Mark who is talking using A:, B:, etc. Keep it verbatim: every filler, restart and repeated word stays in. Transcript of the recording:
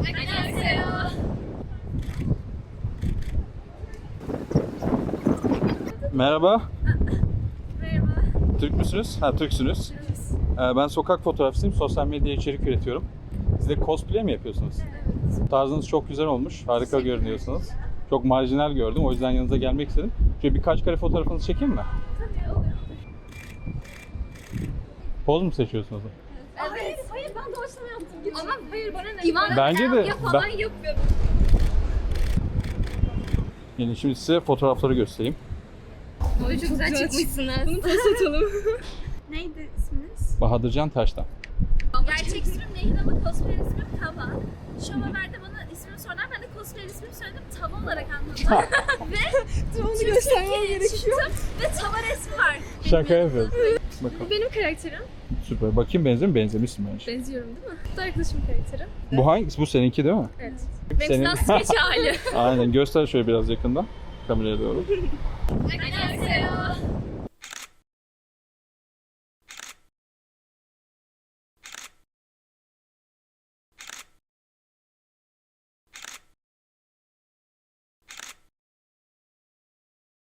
A: Merhaba.
B: Merhaba.
A: Türk müsünüz? Ha, Türksünüz. Ee, ben sokak fotoğrafçısıyım. Sosyal medya içerik üretiyorum. Siz de cosplay mi yapıyorsunuz?
B: Evet.
A: Tarzınız çok güzel olmuş. Harika görünüyorsunuz. Çok marjinal gördüm. O yüzden yanınıza gelmek istedim. Şöyle birkaç kare fotoğrafınızı çekeyim mi?
B: Tabii olur.
A: Poz mu seçiyorsunuz?
B: Evet. Hayır, hayır ben doğaçlama yaptım. Ama hayır bana ne? İvan
A: Bence de.
B: ya falan
A: Ben...
B: yapıyorum.
A: Yani şimdi size fotoğrafları göstereyim.
B: Oy çok güzel çıkmışsınız. Bunu post atalım. Neydi isminiz?
A: Bahadırcan Taş'tan.
C: Gerçek ismim Nehir ama cosplay ismim Tava. Şu haberde bana ismimi sordular. Ben de cosplay ismimi söyledim. Tava olarak anladım. ve
B: Onu
C: Türkiye'ye
B: göstermem gerekiyor.
C: çıktım ve Tava resmi var.
A: Şaka yapıyorum. Bakalım.
B: Benim karakterim.
A: Süper. Bakayım benziyor mu? Benzemişsin bence.
B: Benziyorum değil mi? Bu da arkadaşımın karakteri.
A: Bu hangisi? Bu seninki değil mi?
B: Evet.
A: Senin...
C: Benim sketch hali.
A: Aynen. Göster şöyle biraz yakından. Kameraya doğru.
C: Annyeonghaseyo.